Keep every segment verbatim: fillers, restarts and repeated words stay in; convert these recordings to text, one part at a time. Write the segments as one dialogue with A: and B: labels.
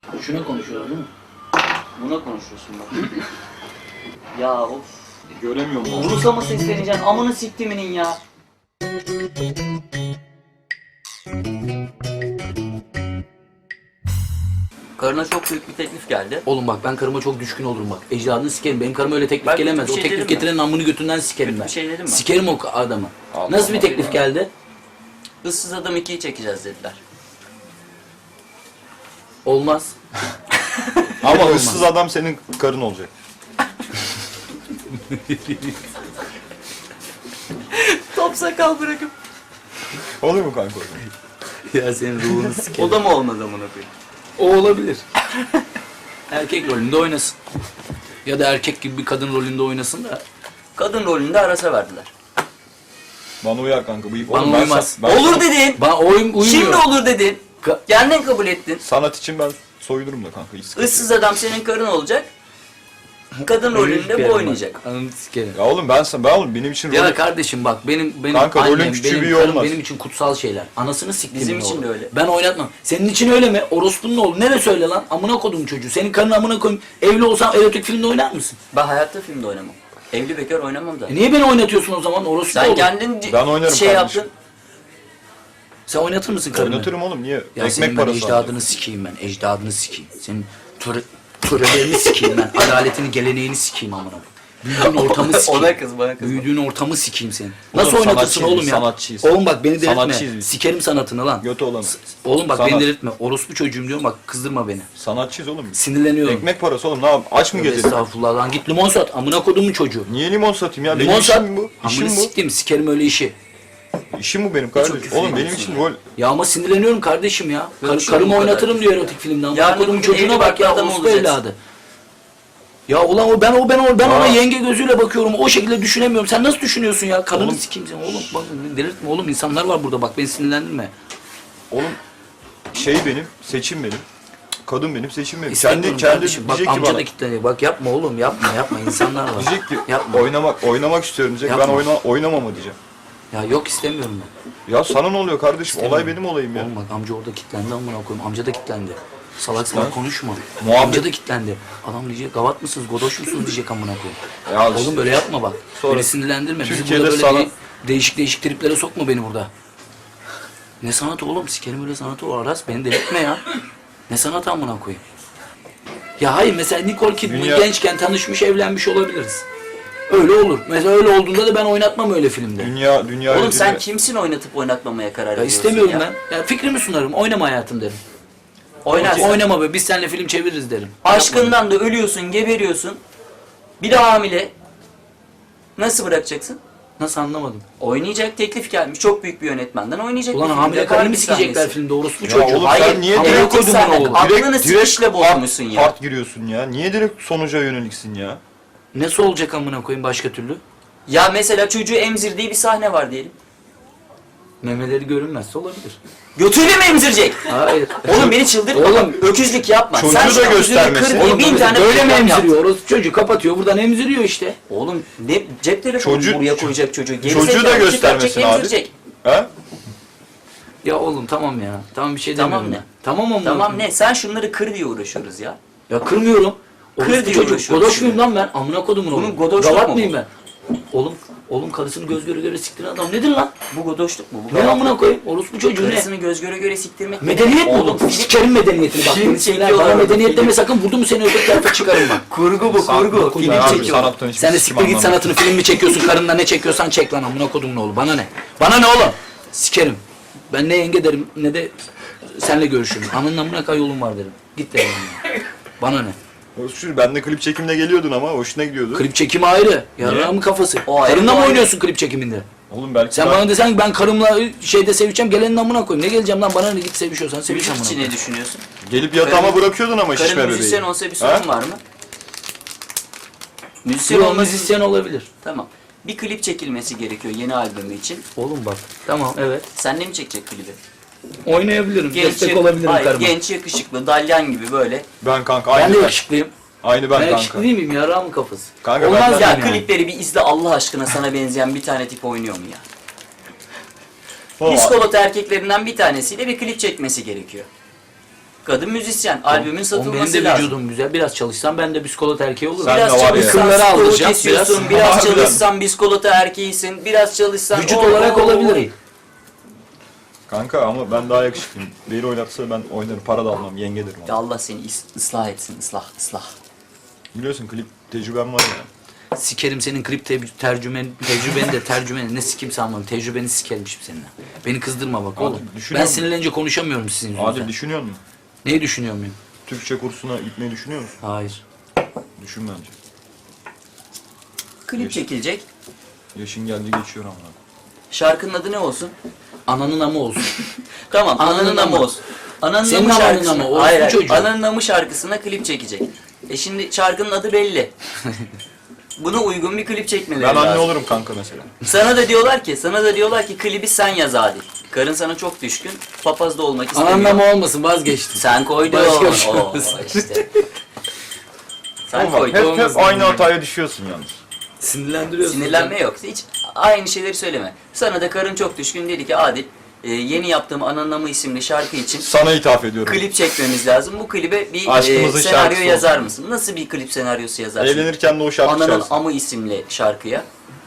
A: Şuna konuşuyoruz değil mi?
B: Buna konuşuyorsun bak. Ya of.
C: Göremiyorum.
B: Urus'a mı sesleneceksin? Amını siktiminin ya. Karına çok büyük bir teklif geldi.
A: Oğlum bak ben karıma çok düşkün olurum bak. Ecdadını sikerim. Benim karıma öyle teklif
B: Ben
A: gelemez.
B: bir
A: O
B: şey
A: teklif
B: dedim
A: getirenin amını götünden sikerim
B: Kötü
A: ben.
B: bir şey dedim mi?
A: Sikerim o adamı.
C: Allah
A: Nasıl bir
C: Allah.
A: teklif geldi?
B: Issız Adam ikiyi çekeceğiz dediler.
A: Olmaz.
C: Ama
A: Olmaz.
C: ıssız adam senin karın olacak.
B: Top sakal bırakıp.
C: Olur mu kanka?
A: Ya senin ruhunu sikerim.
B: O da mı olmaz amına koyayım?
A: O olabilir. Erkek rolünde oynasın. Ya da erkek gibi bir kadın rolünde oynasın da.
B: Kadın rolünde Aras'a verdiler.
C: Bana uyar kanka. Bu iyi.
A: Bana
C: Oğlum ben
A: uymaz.
C: sa- ben
B: Olur
C: sanat-
B: dedin.
A: Bana oyun uymuyor.
B: Şimdi olur dedin.
A: Ka-
B: Kendin kabul ettin.
C: Sanat için ben soyunurum da kanka. Hiç sıkıntı yok.
B: Issız Adam senin karın olacak. Kadın rolünde bu oynayacak.
A: Ananı sikerim.
C: Ya oğlum ben sana ben oğlum benim için
A: Ya
C: rolü...
A: kardeşim bak benim benim
C: Kanka, rolün
A: annem,
C: küçüğü
A: benim
C: büyüğü
A: karım
C: olmaz.
A: benim için kutsal şeyler. Anasını siktim.
B: Bizim
A: ben
B: için
A: oğlum.
B: de öyle.
A: Ben oynatmam. Senin için öyle mi? Orospunun oğlu. Nereye söyle lan? Amına kodum çocuğu. Senin karın amına koyayım. Evli olsam erotik filmde oynar mısın?
B: Ben hayatta filmde oynamam. Evli bekar oynamam da.
A: E niye beni oynatıyorsun o zaman? Orospu
B: Sen
A: oğlu.
B: kendin
C: Ben oynarım
B: şey
C: kardeşim.
B: yaptın.
A: Sen oynatır mısın karını?
C: Oynatırım oğlum niye?
A: Ya senin
C: Ekmek
A: ben
C: parası
A: ecdadını
C: alacağım.
A: sikeyim ben. Ecdadını sikeyim. Senin töre, törelerini sikeyim ben. Adaletini, geleneğini sikeyim amına koyayım. Büyüdüğün ortamı sikeyim.
B: Ona kız bana kız.
A: Büyüdüğün ortamı sikeyim senin.
C: Oğlum,
A: Nasıl oynatırsın
C: sanatçıyız
A: oğlum
C: biz,
A: ya?
C: sanatçıyız.
A: Oğlum bak beni delirtme.
C: Sanatçıyız biz.
A: Sikerim sanatını lan.
C: Götü olanı.
A: Oğlum bak
C: Sanat.
A: beni delirtme. Orospu çocuğum diyorum bak kızdırma beni.
C: Sanatçıyız oğlum biz.
A: Sinirleniyorum.
C: Ekmek parası oğlum ne yap? Aç mı
A: Tövbe
C: gezelim?
A: Estağfurullah lan git limon sat. Amına kodumun çocuğu.
C: Niye limon satayım ya? Benim
A: Limon sat.
C: işim bu.
A: Amına
C: İşim bu.
A: siktim sikerim öyle işi.
C: İşim bu benim
B: çok
C: kardeşim.
B: küfür
C: Oğlum benim
B: ediyorsun
C: için
B: ya.
C: rol.
A: Ya ama sinirleniyorum kardeşim ya. Kar,
B: Konuşuyorum
A: karımı
B: bu kadar.
A: oynatırım diyor erotik filmde. Amına
B: Yarın
A: kodumun
B: öbür gün
A: çocuğuna
B: evli
A: bak
B: barklı
A: ya
B: adam
A: orospu
B: olacaksın.
A: evladı. Ya ulan o ben o ben o ben ona
C: Aa.
A: yenge gözüyle bakıyorum. O şekilde düşünemiyorum. Sen nasıl düşünüyorsun ya? Karını
C: Oğlum.
A: sikeyim sen. Oğlum bak delirtme oğlum. İnsanlar var burada bak beni sinirlendirme.
C: Oğlum şey benim, seçim benim. Kadın benim, seçim benim. Kendi
A: İstemiyorum
C: kendi
A: kardeşim. Bak
C: diyecek ki
A: amca
C: bana.
A: da kilitleniyor. Bak yapma oğlum yapma yapma. İnsanlar var.
C: Diyecek ki
A: Yapma.
C: oynamak oynamak istiyorum diyecek.
A: Yapma.
C: Ben oyna oynamama diyeceğim.
A: Ya yok istemiyorum ben.
C: Ya sana ne oluyor kardeşim?
A: İstemiyorum.
C: Olay benim olayım ya.
A: Oğlum bak amca orada kilitlendi amına koyayım. Amca da kilitlendi. Salak salak
C: Lan.
A: konuşma.
C: Muhabbet-
A: Amca da kilitlendi. Adam diyecek gavat mısınız, godoş musunuz diyecek amına koyayım.
C: Ya
A: Oğlum
C: işte.
A: böyle yapma bak.
C: Sonra
A: Beni sinirlendirme. Bizi
C: Türkiye'de
A: burada böyle
C: sana-
A: de- değişik değişik triplere sokma beni burada. Ne sanatı oğlum? Sikerim öyle sanatı o Aras. Beni delirtme ya. Ne sanatı amına koyayım? Ya hayır mesela Nicole Kidman
C: Dünya-
A: gençken tanışmış evlenmiş olabiliriz. Öyle olur. Mesela öyle olduğunda da ben oynatmam öyle filmde.
C: Dünya dünya
B: Oğlum
C: ödülü-
B: sen kimsin oynatıp oynatmamaya karar
A: Ya
B: veriyorsun
A: istemiyorum
B: ya?
A: ben. Ya fikrimi sunarım. Oynama hayatım derim.
B: Oynarsın.
A: Oynama be. Biz seninle film çeviririz derim.
B: Aşkından da ölüyorsun, geberiyorsun. Bir de hamile. Nasıl bırakacaksın?
A: Nasıl anlamadım?
B: Oynayacak, teklif gelmiş. Çok büyük bir yönetmenden oynayacak.
A: Ulan
B: bir
A: hamile
B: filmde,
A: karını mı
B: bir
A: sikecekler
B: sahnesi.
A: filmde orospu
C: Ya
A: çocuğu?
C: oğlum
B: Hayır,
C: sen niye
B: hamile
C: direkt
B: kodumun
A: sahne-
B: oğlu.
C: direkt,
B: Aklını sikişle
C: direkt
B: bozmuşsun
C: part,
B: ya.
C: part giriyorsun ya. Niye direkt sonuca yöneliksin ya?
A: Nasıl olacak amına koyayım başka türlü?
B: Ya mesela çocuğu emzirdiği bir sahne var diyelim.
A: Memeleri görünmezse olabilir.
B: Götüyle mi emzirecek?
A: Hayır.
B: Oğlum beni çıldırtma.
A: Oğlum,
B: Oğlum öküzlük yapma.
C: çocuğu
B: Sen
C: da
B: şu an yüzünü
C: göstermesin.
B: kır diye
C: Oğlum,
B: bin tane
A: böyle mi
B: program yaptın.
A: emziriyor? Orası çocuğu kapatıyor buradan emziriyor işte.
B: Oğlum ne cep telefonu
C: Çocuk-
B: buraya koyacak çocuğu. Geri
C: çocuğu da
B: zekalı,
C: göstermesin
B: çıkartacak,
C: abi.
B: emzirecek.
C: Ha?
A: Ya oğlum tamam ya. Tamam bir şey
B: Tamam
A: demiyorum
B: ne?
A: ya. Tamam ama.
B: Tamam ne? Sen şunları kır diye uğraşıyoruz ya.
A: Ya kırmıyorum.
B: Kır
A: Orospu
B: diye
A: çocuk.
B: uğraşıyoruz
A: Godoş
B: şimdi.
A: muyum lan ben? Amına kodumun
B: Bunun
A: oğlum.
B: godoşluk
A: Gavat
B: mu
A: mıyım
B: bu?
A: ben? Oğlum, oğlum karısını göz göre göre siktiren adam nedir lan?
B: Bu godoşluk mu? Bu
A: Ne
B: gavat-
A: amına koyayım? Orospu çocuğu ne?
B: Karısını göz göre göre siktirmek.
A: Medeniyet mi
B: Oğlum
A: oğlum?
B: film-
A: Sikerim medeniyetini bak.
B: film
A: Beni sinirler.
B: çekiyorlar
A: Bana
B: orada,
A: medeniyet
B: film.
A: deme sakın vurdu mu seni öbür tarafa çıkarım bak.
B: Kurgu bu kurgu.
A: Film
B: Film
C: abi,
B: çekiyor.
C: sanattan hiçbir
A: Sen de
C: sikim
A: siktir git
C: anlamam.
A: sanatını film mi çekiyorsun karınla ne çekiyorsan çek lan amına kodumun oğlu. Bana ne? Bana ne oğlum? Sikerim. Ben ne yenge derim ne de seninle görüşürüm. Ananın amına kay yolun var derim. Git derim. ya. Bana ne?
C: Şu ben de klip çekimine geliyordun ama hoşuna gidiyordu.
A: Klip çekimi ayrı. Yarrağımın kafası.
B: O ayrı,
A: Karınla
B: o
A: mı
B: ayrı.
A: oynuyorsun klip çekiminde?
C: Oğlum belki
A: Sen
C: ben-
A: bana desen ki ben karımla şeyde sevişeceğim gelenin amına koyayım. Ne geleceğim lan bana ne git sevişiyorsan seviş
B: Müzik
A: amına
B: için
A: koyayım.
B: ne düşünüyorsun?
C: gelip yatağıma
B: Karın-
C: bırakıyordun ama şişme
B: Karın
C: bebeği.
B: müzisyen olsa bir
C: Ha?
B: sorun var mı? Müzisyen
A: Yok
B: olması...
A: müzisyen olabilir.
B: Tamam. Bir klip çekilmesi gerekiyor yeni albümü için.
A: Oğlum bak tamam evet.
B: Sen ne mi çekecek klibi?
A: Oynayabilirim. Destek
B: yak-
A: olabilirim
B: Hayır,
A: karıma.
B: genç yakışıklı, dalyan gibi böyle.
C: Ben kanka
A: Ben
C: aynı
A: de
C: ben.
A: yakışıklıyım.
C: Aynı ben,
A: Ben
C: kanka.
A: yakışıklı değil miyim? Yarrağımın kafası.
C: Kanka
A: Olmaz
C: ben-
A: yani.
B: Ya
A: yani.
B: klipleri bir izle Allah aşkına, sana benzeyen bir tane tip oynuyor mu ya?
C: Oğlum,
B: Psikolog erkeklerinden bir tanesiyle bir klip çekmesi gerekiyor. Kadın müzisyen. Albümün
A: Oğlum
B: satılması
A: benim de
B: lazım.
A: vücudum güzel. Biraz çalışsam ben de biskolato erkeği olurum.
C: Sen
B: Biraz
C: de var ya.
B: çalışsan
A: Kılları
B: stoğu
A: alacağım,
B: kesiyorsun,
A: biraz-
B: biraz,
C: Harbiden.
B: çalışsan biskolata erkeğisin, biraz çalışsan...
A: Vücut
B: Oo,
A: olarak
B: oo, oo.
A: olabilirim.
C: Kanka ama ben daha yakışıklıyım. Beni oynatsa ben oynarım. Para da almam. Yenge derim
B: Ya
C: ona.
B: Allah seni is- ıslah etsin, ıslah, ıslah.
C: Biliyorsun klip tecrübem var ya.
A: Sikerim senin klip te- tercümen, tecrübeni de tercümeni ne sikim sanmam. Tecrübeni sikerim şimdi seninle. Beni kızdırma bak
C: Abi,
A: oğlum.
C: düşünüyor
A: Ben
C: musun?
A: sinirlenince konuşamıyorum sizin yüzünüzden.
C: Adil düşünüyor musun?
A: Neyi düşünüyor muyum?
C: Türkçe kursuna gitmeyi düşünüyor musun?
A: Hayır.
C: Düşün bence.
B: Klip çekilecek.
C: Yaşın geldi geçiyor ama.
B: Şarkının adı ne olsun?
A: Ananın amı olsun.
B: Tamam,
A: Ananın
B: Ananın Namı
A: Namı.
B: olsun. Ananın
A: Senin
B: Namı
A: Ananın
B: şarkısına...
A: Namı, orospu
B: Hayır, hayır.
A: çocuğu.
B: Ananın Namı şarkısına klip çekecek. E şimdi şarkının adı belli. Buna uygun bir klip çekmeleri
C: Ben
B: lazım.
C: anne olurum kanka mesela.
B: Sana da diyorlar ki, sana da diyorlar ki klibi sen yaz Adil. Karın sana çok düşkün, papaz da olmak istemiyor.
A: Ananın amı olmasın vazgeçtim.
B: Sen koydun.
A: Başka bir şey
B: Oo,
A: olmasın.
B: işte. Sen
C: Ama
B: koydun.
C: hep, hep
A: olmasın.
C: aynı hataya düşüyorsun yalnız.
A: Sinirlendiriyorsun.
B: Sinirlenme yok. Hiç aynı şeyleri söyleme. Sana da karın çok düşkün dedi ki Adil, e, yeni yaptığım Ananın Namı isimli şarkı için
C: Sana ithaf ediyorum.
B: klip çekmemiz lazım. Bu klibe bir e,
C: Aşkımızın
B: senaryo
C: şarkısı
B: yazar
C: olsun.
B: mısın? Nasıl bir klip senaryosu yazarsın?
C: Evlenirken de o şarkı
B: Ananın
C: çalsın.
B: Amı isimli şarkıya.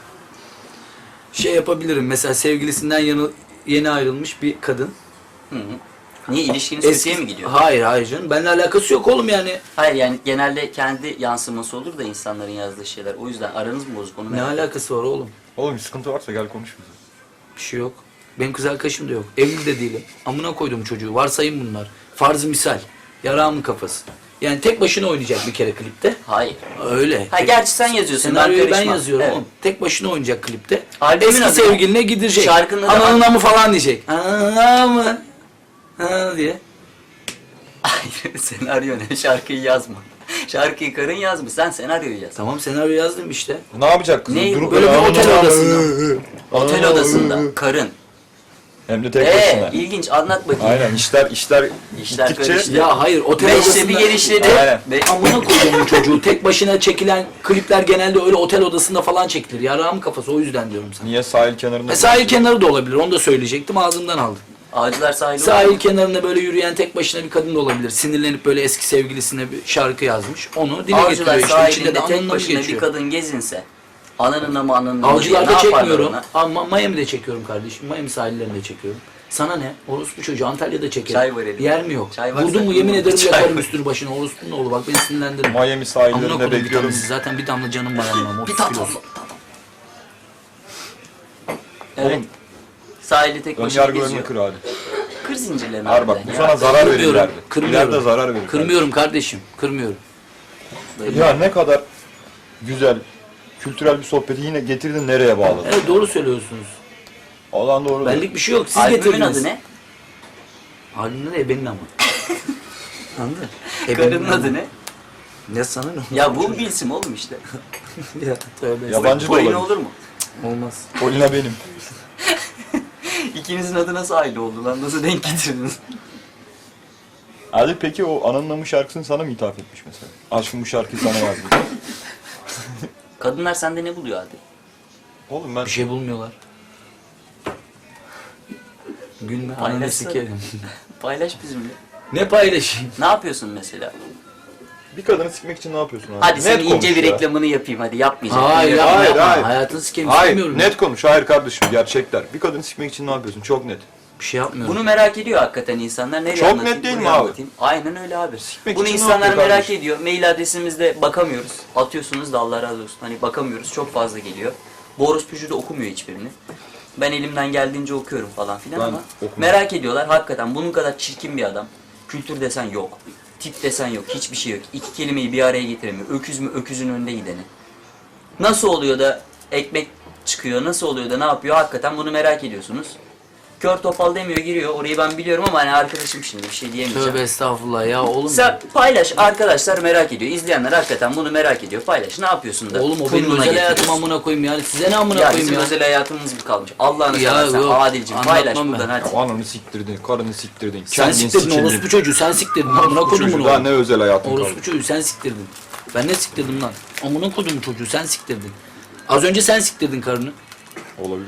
A: Şey yapabilirim mesela sevgilisinden yanı, yeni ayrılmış bir kadın.
B: Hı hı. Niye ilişkiniz kötüye mi gidiyor?
A: Hayır hayır canım. Benimle alakası yok oğlum yani.
B: Hayır yani genelde kendi yansıması olur da insanların yazdığı şeyler. O yüzden aranız mı bozuk onu
A: Ne
B: merak ediyorum.
A: alakası var oğlum?
C: Oğlum bir sıkıntı varsa gel konuş bize.
A: Bir şey yok. Benim kız arkadaşım da yok. Evli de değilim. Amına koydum çocuğu. Varsayım bunlar. Farz-ı misal. Yarağımın kafası. Yani tek başına oynayacak bir kere klipte.
B: Hayır.
A: Öyle.
B: Ha
A: Tek-
B: gerçi sen yazıyorsun.
A: Senaryoyu ben
B: karışmam.
A: yazıyorum
B: Evet.
A: oğlum. Tek başına oynayacak klipte.
B: Albümün
A: Eski
B: adı ne?
A: sevgiline gidecek.
B: Şarkının adı-
A: Ananın amı falan diyecek. Ananın amı. Ha diye.
B: Hayır senaryo ne? Şarkıyı yazma. Şarkıyı karın yazmış. Sen senaryoyu yaz.
A: Tamam senaryo yazdım işte.
C: Ne yapacak kızım?
B: Ne?
C: Durup
A: Böyle bir
C: böyle
A: otel
C: ananı-
A: odasında.
B: Otel odasında karın.
C: Hem de tek
B: Ee,
C: başına.
B: ilginç anlat bakayım.
C: Aynen işler işler,
B: İşler
C: gittikçe
B: karıştı.
A: Ya hayır otel
B: Beşte
A: odasında.
B: bir genişledi.
C: Aynen.
B: Be-
A: Amına koyduğumun çocuğu. Tek başına çekilen klipler genelde öyle otel odasında falan çekilir. Yarağımın kafası o yüzden diyorum sana.
C: niye sahil kenarında?
A: E, sahil kenarı da olabilir. Onu da söyleyecektim. Ağzımdan aldım.
B: Ağacılar sahili
A: Sahil
B: olur.
A: kenarında böyle yürüyen tek başına bir kadın da olabilir. Sinirlenip böyle eski sevgilisine bir şarkı yazmış. Onu dile
B: Avcılar
A: getiriyor işte. İçinde
B: sahilinde
A: de
B: tek
A: anlamı
B: başına bir
A: geçiyor.
B: kadın gezinse ananın namı ananın namı diye
A: Avcılarda
B: ne yaparlar
A: çekmiyorum.
B: ona?
A: Ama Miami'de çekiyorum kardeşim. Miami sahillerinde çekiyorum. Sana ne? Orospu çocuğu Antalya'da çekerim.
B: Çay var elimde.
A: Yer mi yok?
B: Çay varsa-
A: Vurdun mu yemin ederim
B: Çay
A: yakarım
B: var.
A: üstünü başına. Orospunun oğlu bak beni sinirlendirme.
C: Miami
A: Amına
C: sahillerinde
A: koydum bir
C: bekliyorum.
A: tanesi. Zaten bir damla canım var anlamam. otuz
B: Bir tat
A: kilosu.
B: Evet.
C: Oğlum
B: Sahilde tek
C: ön
B: başına
C: yargılarını
B: geziyor.
C: kır hadi.
B: Kır zincirlerini.
C: Har bak
B: harbiden
C: bu
B: ya.
C: sana zarar verir
A: Kırmıyorum.
C: ileride.
A: Kırmıyorum.
C: İleride zarar verir.
A: Kırmıyorum kardeşim. Kırmıyorum.
C: Ya ne kadar güzel, kültürel bir sohbeti yine getirdin nereye bağladın?
A: Evet doğru söylüyorsunuz.
C: Olan doğru.
A: Benlik bir şey yok. Siz
B: Albümün
A: getirdiniz.
B: adı ne?
A: Albümün adı Ebenin ama. Anladın?
B: Karının adı ne?
A: Ne sana ne?
B: Ya bul bir isim oğlum işte.
A: Ya tövbe.
C: Yabancı da
B: Polina
C: olabilir.
B: olur mu?
A: Olmaz.
C: Polina benim.
B: İkinizin adı nasıl aile oldu lan? Nasıl denk getirdiniz?
C: Ali peki o Ananın Namı şarkısını sana mı ithaf etmiş mesela? Aşkım bu şarkıyı sana yazdı.
B: Kadınlar sende ne buluyor hadi?
C: Oğlum ben
A: Bir şey bulmuyorlar. Gülme. Ananı
B: Paylaşsana.
A: sikerim.
B: Paylaş bizimle.
A: Ne paylaşayım?
B: Ne yapıyorsun mesela?
C: bir kadını sikmek için ne yapıyorsun abi?
B: Hadi
C: Net
B: senin ince
C: konuş
B: bir
C: ya.
B: reklamını yapayım hadi yapmayacağım.
A: Hayır
B: Yapma.
A: yapma
C: hayır,
A: yapma.
C: hayır.
A: Hayatını sikeyim
C: Hayır
A: istemiyorum.
C: net konuş. Hayır kardeşim gerçekler. Bir kadını sikmek için ne yapıyorsun? Çok net.
A: Bir şey yapmıyorum.
B: Bunu merak ediyor hakikaten insanlar. Nereye
C: Çok
B: anlatayım,
C: net değil mi
B: buraya
C: abi?
B: anlatayım? Aynen öyle abi.
C: Sikmek
B: Bunu
C: için ne
B: insanlar
C: yapıyor
B: merak
C: kardeşim?
B: ediyor. Mail adresimizde bakamıyoruz. Atıyorsunuz da Allah razı olsun. Hani bakamıyoruz. Çok fazla geliyor. Bu orospucu da okumuyor hiçbirini. Ben elimden geldiğince okuyorum falan filan
C: Ben
B: ama
C: okumuyorum.
B: merak ediyorlar hakikaten bunun kadar çirkin bir adam. Kültür desen yok. Tip desen yok. Hiçbir şey yok. İki kelimeyi bir araya getiremiyor. Öküz mü öküzün önünde gideni. Nasıl oluyor da ekmek çıkıyor? Nasıl oluyor da ne yapıyor? Hakikaten bunu merak ediyorsunuz. Kör topal demiyor giriyor. Orayı ben biliyorum ama hani arkadaşım şimdi bir şey diyemeyeceğim.
A: Tövbe estağfurullah ya oğlum.
B: Sen paylaş arkadaşlar merak ediyor. İzleyenler hakikaten bunu merak ediyor. Paylaş. Ne yapıyorsun da?
A: Oğlum o benim
B: kurnuna
A: özel hayatım
B: getiriyorsun?
A: amına koyayım yani. Size ne amına
B: Ya
A: koyayım
B: bizim
A: ya?
B: özel hayatımız mı kalmış? Allah'ını
A: Ya
B: seversen
A: yok,
B: Adil'cim paylaş
A: anlatmam
B: buradan
A: ben.
B: hadi.
C: Ya ananı siktirdin, karını siktirdin.
A: Sen
C: kendin
A: siktirdin
C: sikildin.
A: orospu çocuğu. Sen siktirdin. Amına
C: Bu
A: koydum
C: çocuğu
A: bunu.
C: daha ne özel hayatın kaldı.
A: Orospu çocuğu sen siktirdin. Ben ne siktirdim lan? Amına koydum çocuğu sen siktirdin. Az önce sen siktirdin karını.
C: Olabilir.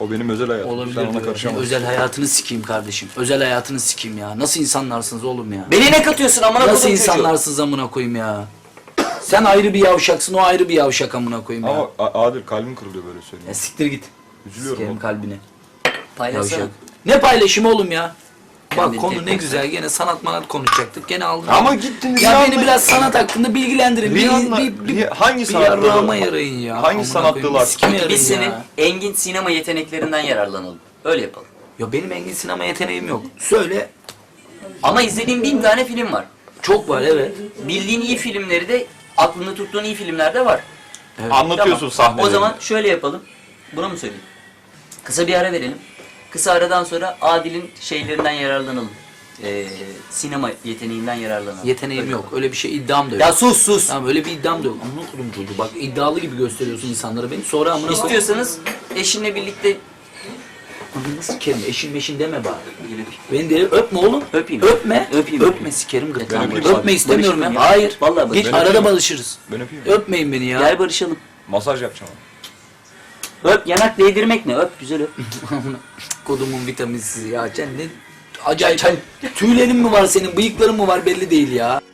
C: O benim özel hayatım.
A: Olabilir
C: Sen ona
A: diyor.
C: karışamazsın.
A: Özel hayatını sikeyim kardeşim. Özel hayatını sikeyim ya. Nasıl insanlarsınız oğlum ya?
B: Beni ne katıyorsun amına
A: Nasıl
B: koyduğum çocuğu?
A: insanlarsınız amına koyayım ya? Sen ayrı bir yavşaksın, o ayrı bir yavşak amına koyayım ya.
C: Ama A- Adil kalbim kırılıyor böyle
A: Ya
C: söyleyeyim.
A: siktir git.
C: Üzülüyorum
A: Sikerim
C: oğlum.
A: kalbine.
B: Paylaşsana.
A: Yavşak. Ne paylaşımı oğlum ya? Bak
B: Kendini
A: konu
B: tek
A: ne güzel. Gene sanat manat konuşacaktık. Gene aldın.
C: Ama gittiniz
A: Ya
C: ya
A: beni
C: anla-
A: biraz sanat hakkında bilgilendirin. Bir,
C: Rihanna-
A: bir, bir,
C: Riha- hangi
A: bir
C: sanat dalı-
A: yarrağıma yarayın ya.
C: hangi
A: Amına
C: sanat
A: koyayım,
C: dalı
A: bir sikime
C: hakkında?
A: yarayın
B: Biz senin
A: ya.
B: engin sinema yeteneklerinden yararlanalım. Öyle yapalım.
A: Ya benim engin sinema yeteneğim yok. Söyle.
B: Ama izlediğim bin tane film var.
A: Çok var evet.
B: Bildiğin iyi filmleri de aklında tuttuğun iyi filmler de var.
A: Evet.
C: Anlatıyorsun
B: Tamam.
C: sahneleri.
B: O zaman şöyle yapalım. Buna mı söyleyeyim? Kısa bir ara verelim. Kısa aradan sonra Adil'in şeylerinden yararlanalım. Ee, sinema yeteneğinden yararlanalım.
A: Yeteneğim
B: Öyle
A: yok.
B: yapalım.
A: Öyle bir şey iddiam da yok.
B: Ya sus sus.
A: Tamam öyle bir iddiam da yok. Amına koydum çocuğu. Bak iddialı gibi gösteriyorsun insanlara beni. Sonra amına koyayım.
B: İstiyorsanız eşinle birlikte
A: Ananı sikerim. Eşin meşin deme bari. Beni de öpme oğlum.
B: Öpeyim.
A: Öpme.
B: Öpeyim.
A: Öpme sikerim gırtlağını.
C: öpeyim.
A: Öpme istemiyorum ya.
B: Barışalım ya.
A: Hayır.
B: Vallahi
A: Geç
B: barışalım.
A: arada barışırız.
C: Ben öpeyim mi?
A: Öpmeyin beni ya.
B: gel barışalım.
C: Masaj yapacağım.
B: Öp, yanak değdirmek ne? Öp, güzel öp.
A: Kodumun vitaminsiz ya. Sen ne acayip. Tüylerin mi var senin? Bıyıkların mı var belli değil ya.